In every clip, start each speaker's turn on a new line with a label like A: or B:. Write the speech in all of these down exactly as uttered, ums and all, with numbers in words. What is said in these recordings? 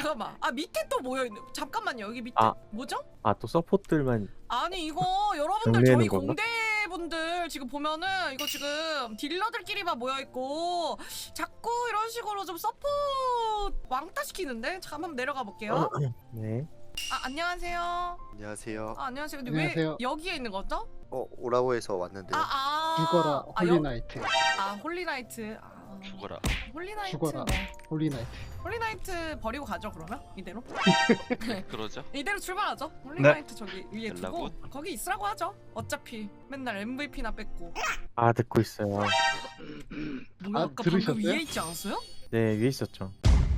A: 잠깐만. 아 밑에 또 모여 있네. 잠깐만요. 여기 밑에
B: 아.
A: 뭐죠?
B: 아 또 서포트들만.
A: 아니 이거 여러분들
B: 정리해놓은
A: 저희
B: 건가?
A: 공대분들 지금 보면은 이거 지금 딜러들끼리만 모여 있고 자꾸 이런 식으로 좀 서포트 왕따 시키는데. 잠깐 한번 내려가 볼게요.
B: 네.
A: 아 안녕하세요.
C: 안녕하세요.
A: 아 안녕하세요. 근데
D: 안녕하세요.
A: 왜 여기에 있는 거죠?
C: 어 오라고 해서 왔는데요.
A: 아 아.
D: 죽어라
A: 아, 여-
D: 홀리나이트.
A: 아 홀리나이트. 아,
E: 죽어라.
A: 홀리나이트.
D: 죽어라.
A: 네.
D: 홀리나이트.
A: 홀리나이트 버리고 가죠 그러면 이대로.
E: 그러죠?
A: 이대로 출발하죠. 홀리나이트 저기 위에 두고
E: 연락은?
A: 거기 있으라고 하죠. 어차피 맨날 엠브이피나 뺏고.
B: 아 듣고 있어요.
A: 뭐야
D: 아,
A: 아까 방금
D: 들으셨어요?
A: 위에 있지 않았어요?
B: 네 위에 있었죠.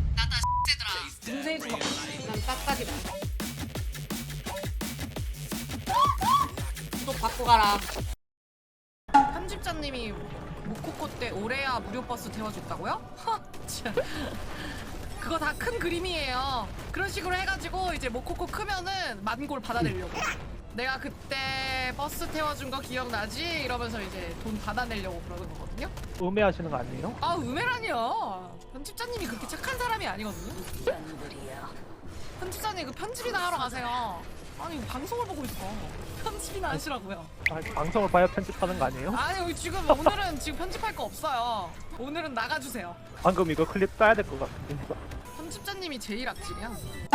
A: 중세 주먹. 난 빡빡이다. 또 바꿔 가라. 편집자님이 모코코 때 오레아 무료 버스 태워줬다고요? 하, 진짜. 그거 다 큰 그림이에요. 그런 식으로 해가지고 이제 모코코 크면은 만골 받아내려고. 내가 그때 버스 태워준 거 기억나지? 이러면서 이제 돈 받아내려고 그러는 거거든요.
F: 음해하시는 거 아니에요?
A: 아 음해라니요. 편집자님이 그렇게 착한 사람이 아니거든요. 편집자님 그 편집이나 하러 가세요. 아니 방송을 보고 있어. 편집이나 하시라고요.
F: 아, 방송을 봐야 편집하는 거 아니에요?
A: 아니 여기 지금 오늘은 지금 편집할 거 없어요. 오늘은 나가주세요.
F: 방금 이거 클립 따야 될 것 같은데.
A: 편집자님이 제일 악질이야.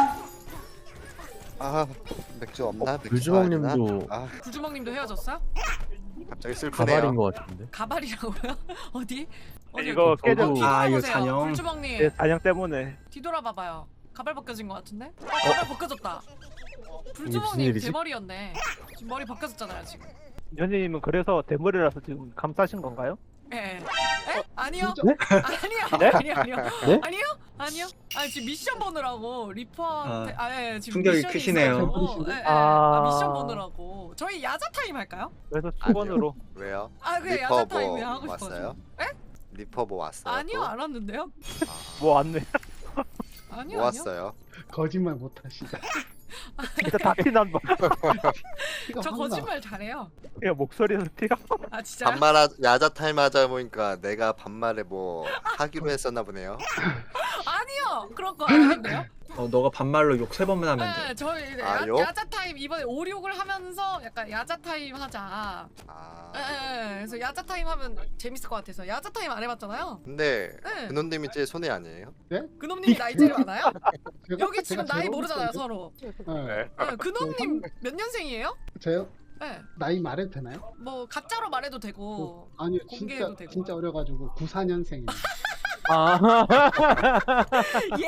C: 아 맥주 없나? 맥주
B: 불주먹님도
C: 사야 되나? 아
A: 굴주먹님도 헤어졌어요?
C: 갑자기 슬프네요.
B: 가발인 것 같은데.
A: 가발이라고요? 어디? 어디?
F: 이거
B: 깨져-
A: 어, 뒤돌아보세요.
G: 아, 이거 찬영.
A: 굴주먹님
F: 제 단양 때문에.
A: 뒤돌아봐봐요. 가발 벗겨진 것 같은데? 어, 가발 벗겨졌다.
B: 무슨
A: 굴주먹님
B: 일이지?
A: 대머리였네. 지금 머리 벗겨졌잖아요 지금.
F: 연희님은 그래서 대머리라서 지금 감싸신 건가요?
A: 예. 에? 아니요.
D: 진짜?
A: 아니요.
F: 네?
A: 아니요. 아니요.
B: 네?
A: 아니요. 아니요. 아니 지금 미션 보느라고 리퍼한테 아, 예, 지금
G: 충격이
A: 미션이
G: 크시네요.
A: 있어가지고, 예, 예.
F: 아.
A: 아, 미션 보느라고. 저희 야자 타임 할까요?
F: 그래서 수건으로.
C: 왜요?
A: 아 그래
C: 리퍼
A: 야자 타임
C: 뭐
A: 그냥 하고 싶어서.
C: 왔어요?
A: 에?
C: 리퍼 뭐 왔어요?
A: 아니요
C: 또?
A: 안 왔는데요?
F: 뭐 왔네.
A: 아니요
C: 뭐
A: 아니요.
C: 왔어요?
D: 거짓말 못하시다.
F: 진짜 다 피난 거.
D: 피가
A: 저
D: 확 나.
A: 거짓말 잘해요.
F: 그냥 목소리에서 피가.
A: 아 진짜.
C: 반말 하, 야자 타임 하자 보니까 내가 반말에 뭐 하기로 했었나 보네요.
A: 아니요 그런 거 아닌데요?
G: 어, 너가 반말로 욕 세 번만 하면 돼.
A: 네 저희
C: 아,
A: 야,
C: 욕?
A: 야자 타임 이번에 오륙을 하면서 약간 야자 타임 하자.
C: 아
A: 예, 예, 예. 그래서 야자 타임 하면 재밌을 것 같아서 야자 타임 안 해봤잖아요.
C: 근데
A: 네.
C: 근원님이 제일 손해 아니에요?
A: 그놈님이 나이 제일 많아요?
D: 제가-
A: 여기
D: 제가
A: 지금 나이
D: 제일
A: 모르잖아요
D: 어릴
A: 서로.
D: 텐데. 네.
A: 네, 그놈님 몇 년생이에요?
D: 저요?
A: 네.
D: 나이 말해도 되나요?
A: 뭐 가짜로 말해도 되고.
D: 아니요,
A: 공개해도
D: 진짜
A: 되고.
D: 진짜 어려가지고 구십사 년생입니다.
B: 아
A: 예?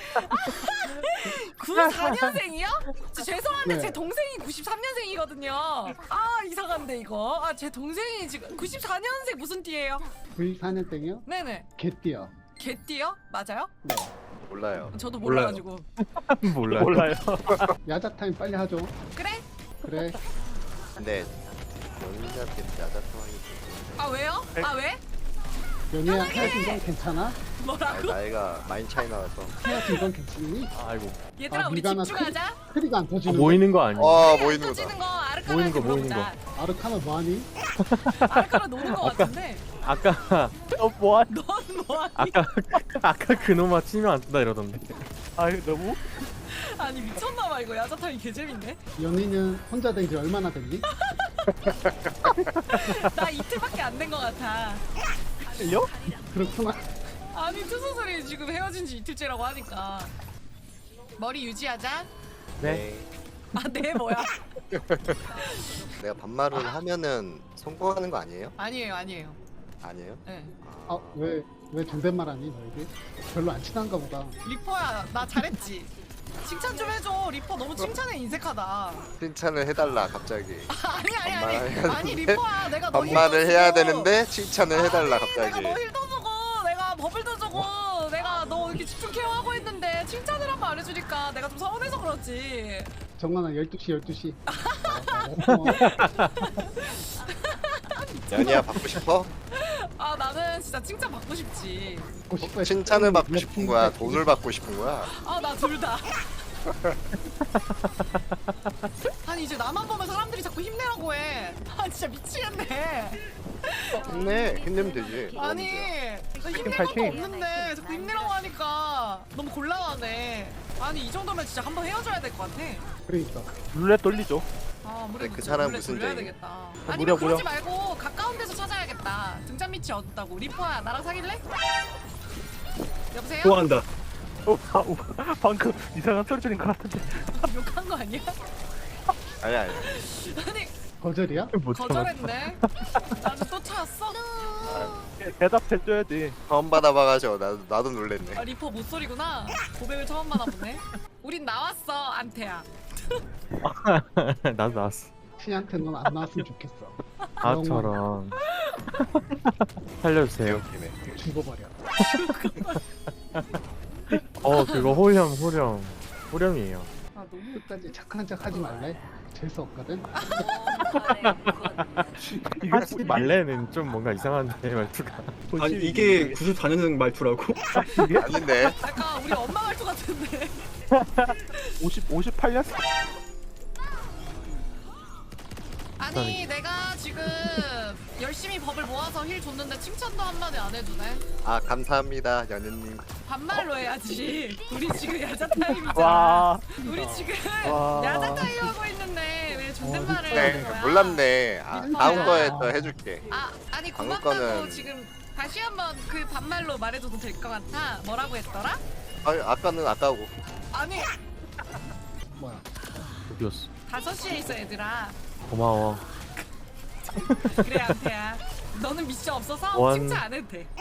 A: 구십사 년생이요? 저 죄송한데
D: 네.
A: 제 동생이 구십삼 년생이거든요. 아 이상한데 이거. 아 제 동생이 지금 구십사 년생 무슨 띠예요?
D: 구십사 년생이요?
A: 네네.
D: 개띠요.
A: 개띠요? 맞아요?
D: 네.
C: 몰라요.
A: 저도
G: 몰라요.
A: 몰라가지고.
B: 몰라요.
F: 몰라요.
D: 야자 타임 빨리 하죠.
A: 그래?
D: 그래.
C: 근데 연인한테 야자 타임이
A: 아 왜요? 아 왜?
D: 연희야 헤어진 건 괜찮아?
C: 아,
A: 뭐라고?
C: 나이가 많이 차이 나서.
D: 헤어진 건 괜찮니?
B: 아이고.
A: 얘들아
D: 아,
A: 우리
D: 네가 하나
A: 집중하자.
D: 크리가 안
B: 아,
D: 터지는
B: 모이는 거 아니에요?
C: 와
A: 안
C: 모이는 거다.
A: 터지는 거 아르카나한테
B: 모이는 거, 모이는
A: 물어보자.
D: 거. 아르카나 뭐하니?
A: 아르카나 노는 거 같은데.
B: 아까
F: 어, 뭐야?
A: 넌 뭐하니?
B: 아까 아까 그놈아 치면 안 뜬다 이러던데.
F: 아, 이거 너무.
A: 아니 미쳤나봐 이거 야자타임 개재밌네.
D: 연희는 혼자 된 지 얼마나 됐니?
A: 나 이틀밖에 안 된 거 같아.
F: 틀려?
D: 그렇구나.
A: 아니 투소설이 지금 헤어진 지 이틀째라고 하니까. 머리 유지하자.
B: 네.
A: 아 네 뭐야?
C: 내가 반말을 하면은 성공하는 거 아니에요?
A: 아니에요 아니에요.
C: 아니에요?
A: 네.
D: 아, 왜, 왜 존댓말하니, 너희들? 별로 안 친한가 보다.
A: 리퍼야 나 잘했지. 칭찬 좀 해줘. 리퍼 너무 칭찬에 인색하다.
C: 칭찬을 해달라 갑자기.
A: 아니 아니 아니
C: 반말을
A: 아니
C: 해야
A: 리퍼야 내가 너
C: 반말을
A: 힐도
C: 해야
A: 주고.
C: 되는데 칭찬을 해달라
A: 아니, 내가
C: 갑자기.
A: 너 힐도 주고 내가 버블도 주고 내가 너 이렇게 집중 케어하고 있는데 칭찬을 한 번 안 해주니까 내가 좀 서운해서 그렇지.
D: 정관아, 열두 시, 열두 시. 어, 어,
C: 연희야 받고 싶어?
A: 아 나는 진짜 칭찬 받고 싶지.
D: 받고 싶어 했을
C: 칭찬을
D: 때
C: 받고 싶은 거야?
D: 몇
C: 돈을 받고 싶은 거야?
A: 아 나 둘 다. 아니 이제 나만 보면 사람들이 자꾸 힘내라고 해. 아 진짜 미치겠네.
C: 힘내. 힘내면 되지. 뭐가
A: 아니
C: 문제야.
A: 나 힘낼
F: 파이팅,
A: 것도
F: 파이팅.
A: 없는데 자꾸 힘내라고 하니까 너무 곤란하네. 아니 이 정도면 진짜 한번 헤어져야 될 것 같아.
D: 그러니까
F: 룰렛 돌리죠.
A: 아
C: 근데
A: 무려
C: 그 사람
A: 원래
C: 무슨
A: 돌려야
C: 죄?
A: 되겠다.
F: 무려,
A: 아니면 그러지
F: 무려.
A: 말고 가까운 데서 찾아야겠다. 등잔 밑이 어둡다고. 리퍼야 나랑 사귈래? 여보세요?
G: 좋아한다.
F: 어, 아, 어, 방금 이상한 소리 들린 것 같은데.
A: 욕한 거 아니야?
C: 아니 아니.
A: 아니
D: 거절이야?
B: 못 참았다.
A: 거절했네. 나도 또 찾았어?
F: 대답해줘야지.
C: 처음 받아봐가지고 나도 나도 놀랬네.
A: 아 리퍼 못소리구나. 고백을 처음 받아보네. 우린 나왔어 안태야.
B: 나도 나왔어.
D: 신한테 넌 안 나왔으면 좋겠어.
B: 아 저런. 살려주세요.
C: 웃기네.
D: 죽어버려.
B: 어 그거 호령 호령 호령이에요.
A: 아 너무
D: 끝까지 착한 척 하지 말래. 재수 없거든.
F: 이거
B: 하지 말래는 좀 뭔가 이상한데 말투가.
G: 아니 이게 구십사 년생 말투라고?
F: 이게
C: 아닌데.
A: 약간 우리 엄마 말투 같은데.
F: 오십 오십팔 년?
A: 아니 내가 지금 열심히 법을 모아서 힐 줬는데 칭찬도 한마디 안 해주네.
C: 아 감사합니다 연우님.
A: 반말로 해야지. 우리 지금 야자 타임이잖아.
F: 와,
A: 우리 지금
F: 와.
A: 야자 타임 하고 있는데 왜 존댓말을
C: 네
A: 하는 거야?
C: 몰랐네. 아,
A: 리퍼야.
C: 다음 거에 또 해줄게.
A: 아 아니
C: 방금
A: 고맙다고
C: 거는-
A: 지금 다시 한번 그 반말로 말해줘도 될 것 같아. 뭐라고 했더라?
C: 아니 아까는 아까고.
A: 아니
D: 뭐야?
B: 어디였어?
A: 다섯 시에 있어 얘들아.
B: 고마워.
A: 그래 안태야. 너는 미션 없어서
B: 원.
A: 칭찬 안 해도 돼.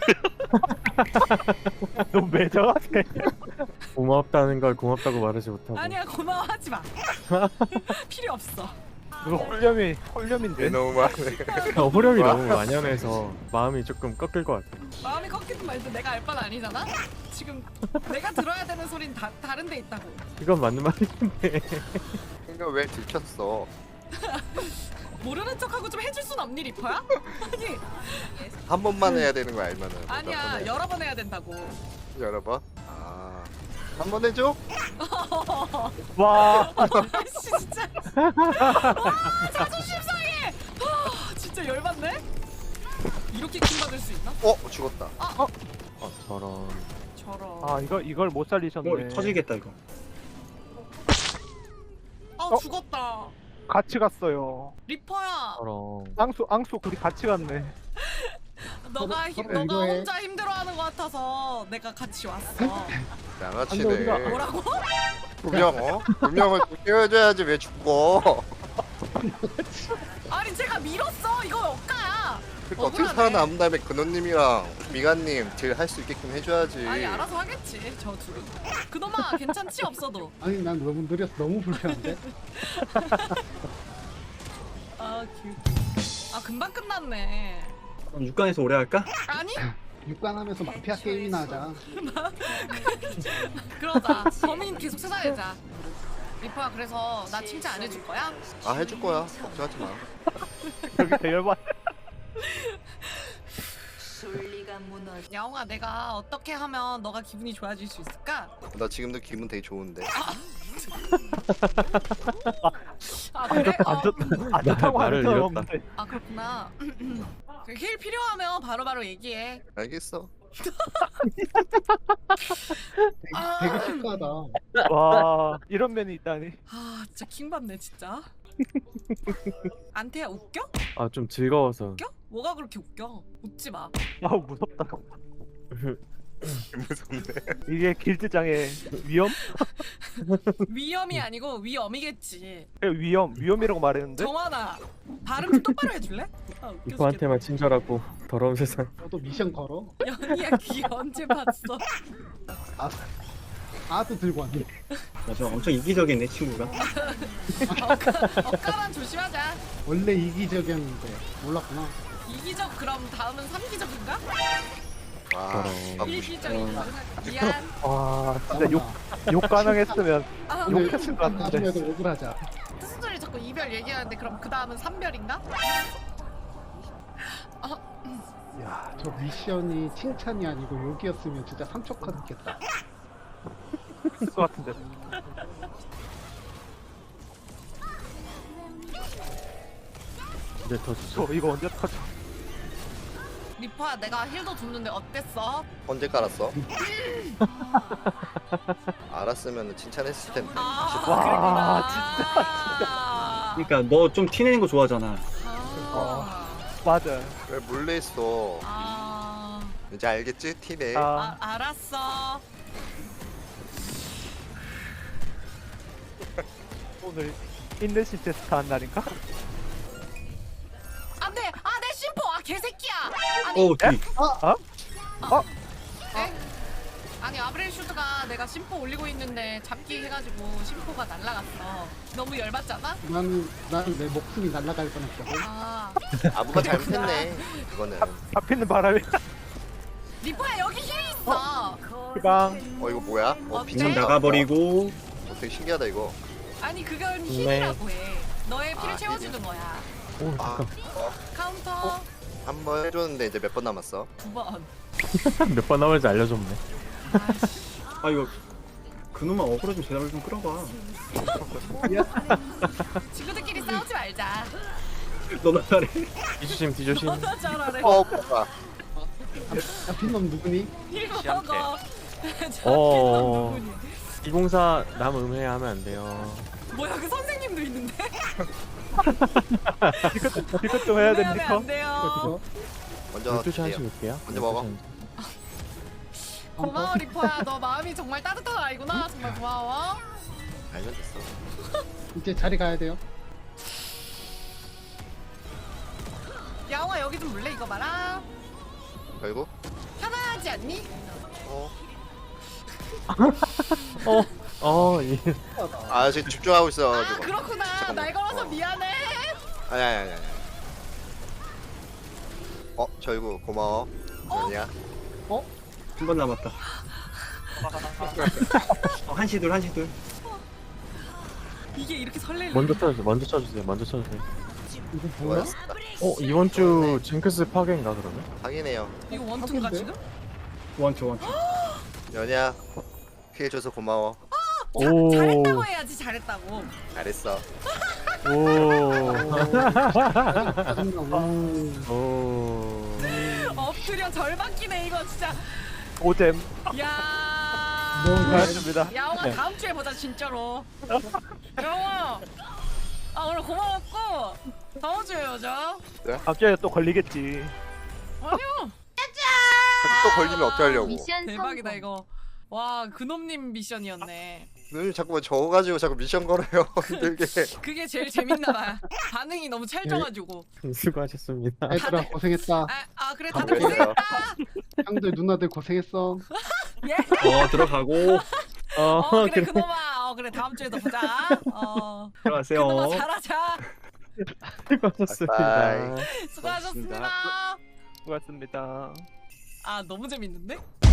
F: 너무 매정하게.
B: 고맙다는 걸 고맙다고 말하지 못하고.
A: 아니야 고마워하지 마. 필요 없어.
F: 이거 홀렴이 홀렴인데.
C: 너무 많네.
B: 어, 호령이 너무 만연해서 마음이 조금 꺾일 것 같아.
A: 마음이 꺾이든 말든 내가 알 바는 아니잖아. 지금 내가 들어야 되는 소린 다 다른 데 있다고.
B: 이건 맞는 말인데.
C: 이거 왜 들켰어?
A: 모르는 척하고 좀 해줄 순 없니 리퍼야? 아니
C: 한 번만 해야 되는 거 알면은. 몇
A: 아니야
C: 번 해?
A: 여러 번 해야 된다고.
C: 여러 번? 아. 한 번 해줘?
F: 와,
A: 아씨 진짜. 와 자존심 상해. 아, 진짜 열받네. 이렇게 킹 받을 수 있나?
C: 어 죽었다.
B: 어 저런.
A: 저런.
F: 아 이거 이걸 못 살리셨네.
G: 어 터지겠다 이거.
A: 아
F: 어?
A: 죽었다.
F: 같이 갔어요.
A: 리퍼야.
B: 저런.
F: 앙수 앙수 둘이 같이 갔네.
A: 너가 힘,
D: 서로
A: 너가
D: 이거해.
A: 혼자 힘들어하는 것 같아서 내가 같이 왔어.
C: 양아치네.
D: 안 돼, 어디가?
A: 뭐라고?
C: 분명 어? 분명을 깨워줘야지 왜 죽고?
A: 아니 제가 밀었어. 이거 억가야.
C: 그러니까 어떻게
A: 억울하네.
C: 살아남은 다음에 근호님이랑 미가님 딜 할 수 있게끔 해줘야지.
A: 아니 알아서 하겠지 저 둘이. 그놈아 괜찮지 없어도.
D: 아니 난 너무 느려서 너무 불편한데.
A: 아 귀. 아 금방 끝났네.
G: 그럼 육 강에서 오래 할까?
A: 아니
D: 육관하면서 마피아 게임이나 하자.
A: 그러자. 범인 계속 찾아내자. 리퍼야 그래서 나 칭찬 안 해줄 거야?
C: 아 해줄 거야. 걱정하지 마.
F: 여기 대열받.
E: 순리가 무너져.
A: 야옹아 내가 어떻게 하면 너가 기분이 좋아질 수 있을까?
C: 나 지금도 기분 되게 좋은데.
A: 아 그래?
F: 안
A: 어,
F: 좋, 안 좋다고
B: 말을
F: 하는 사람
B: 잃었다.
F: 없는데.
A: 아 그렇구나. 힐 필요하면 바로바로 얘기해.
C: 알겠어.
A: 아.
D: 되게 축하하다.
F: 와, 이런 면이 있다니.
A: 아 진짜 킹받네 진짜. 안태야 웃겨?
B: 아 좀 즐거워서.
A: 웃겨? 뭐가 그렇게 웃겨? 웃지 마.
F: 아우 무섭다.
C: 무섭네.
F: 이게 길드장의 위험?
A: 위험이 아니고 위험이겠지.
F: 그래, 위험, 위험이라고 말했는데.
A: 정환아 발음 좀 똑바로 해줄래? 아, 웃겨
B: 리퍼한테만 친절하고 더러운 세상.
D: 너도 미션 걸어.
A: 죽겠다. 연희야 귀 언제 봤어?
D: 아, 아도 들고 왔네.
G: 맞아 엄청 이기적이네 친구가.
A: 억가만 조심하자.
D: 원래 이기적이었는데 몰랐구나.
A: 이기적 그럼 다음은 삼기적인가?
C: 와. 아,
A: 일기적인가? 미안.
F: 와, 진짜 욕, 욕 가능했으면
A: 아,
D: 오늘
F: 욕했을 것 같은데.
D: 나중에도 억울하자.
A: 스스들이 자꾸 이별 얘기하는데 그럼 그 다음은 삼별인가?
F: 야,
D: 저 미션이 칭찬이 아니고 욕이었으면 진짜 삼척하겠다.
F: 있을 것 같은데.
B: 이제 더 주죠.
F: 저 이거 언제 터져?
A: 리퍼야 내가 힐도 줬는데 어땠어?
C: 언제 깔았어? 알았으면 칭찬했을 텐데.
A: 아
F: 와,
A: 진짜
G: 그러니까 너 좀 티내는 거 좋아하잖아.
A: 아,
F: 맞아.
C: 왜 몰래 있어?
A: 아,
C: 이제 알겠지? 티네.
F: 아,
A: 아 알았어.
F: 오늘 인내심 테스트 한 날인가?
A: 안돼. 아내 심포. 아 개새끼야. 아니
G: 어 뒤.
A: 에? 아니 아브렐 슈드가 내가 심포 올리고 있는데 잡기 해가지고 심포가 날라갔어. 너무 열받잖아?
D: 나는 나는 내 목숨이 날아갈 뻔했거든.
A: 아
C: 아부가 잘못했네. 그거는.
F: 잡히는 바람에
A: 리퍼야 여기 힐 있어.
F: 그방.
C: 어 이거 뭐야? 어
A: 어때?
C: 비전
G: 빅년 나가버리고.
C: 어, 되게 신기하다 이거.
A: 아니 그건 힐이라고 해. 너의 피를
C: 아,
A: 채워주는 거야.
B: 오
C: 아,
B: 잠깐
A: 카운터
C: 한 번 해줬는데 이제 몇 번 남았어?
A: 두 번.
B: 몇 번 남았는지 알려줬네.
A: 아이씨.
G: 아 이거 그놈만 어그로 좀 제대로 좀 끌어봐.
A: 친구들끼리 싸우지 말자.
G: 너나 잘해.
B: 뒤조심 뒤조심.
A: 너나 잘하래.
C: 어 뭐야?
D: 잡힌 놈 누구니?
A: 힐 먹어.
B: 어.
A: 저 누구니?
B: 이공사 남 음해야 하면 안 돼요.
A: 뭐야 그 선생님도 있는데?
F: 이것 이것 좀 해야
A: 안
F: 됩니까?
A: 안 돼요.
D: 이거
C: 먼저
B: 열두 시 한시
C: 드세요.
B: 볼게요.
C: 먼저 먹어.
B: 열두 시 한시.
A: 고마워 리퍼야. 너 마음이 정말 따뜻한 아이구나. 정말 고마워.
C: 알면 됐어.
D: 이제 자리 가야 돼요.
A: 야옹아 여기 좀 물래 이거 봐라.
C: 결국
A: 편하지 않니?
C: 어.
B: 어, 어, 이
C: 아 지금 집중하고
A: 아
C: 있어가지고.
A: 그렇구나.
C: 잠깐만.
A: 날 걸어서
C: 어.
A: 미안해.
C: 아니 아니 아니 아니. 어 절구 고마워. 아니야.
G: 한 번 남았다. 어, 한시 둘 한시 둘.
A: 이게 이렇게 설레는.
B: 먼저 쳐주세요. 먼저 쳐주세요. 먼저 쳐주세요.
D: 이거 뭐야?
C: 좋았다.
B: 어 이번 주 징크스 파괴인가 그러면?
C: 확인해요.
A: 이거 원투인가
D: 하긴데?
A: 지금?
G: 원투 원투.
C: 연희야 피해 줘서 고마워.
B: 오,
A: 잘했다고 해야지 잘했다고.
C: 잘했어.
B: 오,
D: 짜증나. 오.
B: 오.
A: 엎드려 절박기네 이거 진짜.
F: 오잼.
A: 야.
D: 너무
F: 고맙습니다.
A: 야옹아
B: 네.
A: 다음 주에 보자 진짜로. 야옹아. 아 오늘 고마웠고 다음 주에 보자.
F: 갑자기 또 걸리겠지.
A: 아니요.
C: 또 걸리면 어떡하려고.
E: 미션
A: 대박이다
E: 성공.
A: 이거. 와 그놈님 미션이었네.
C: 늘 자꾸 저가지고 자꾸 미션 걸어요. 힘들게.
A: 그게 제일 재밌나봐. 반응이 너무 찰져가지고.
B: 수고하셨습니다.
D: 얘들아 고생했다.
A: 아, 아 그래 다들
C: 그래요.
A: 고생했다.
D: 형들 누나들 고생했어.
A: 예.
G: 어 들어가고
B: 어,
A: 어 그래
B: 그래.
A: 그놈아. 어 그래 다음 주에도 보자. 어
G: 들어가세요.
A: 그놈아 잘하자.
B: 수고하셨습니다.
C: 바이바이.
A: 수고하셨습니다.
F: 수고하셨습니다.
A: 아 너무 재밌는데?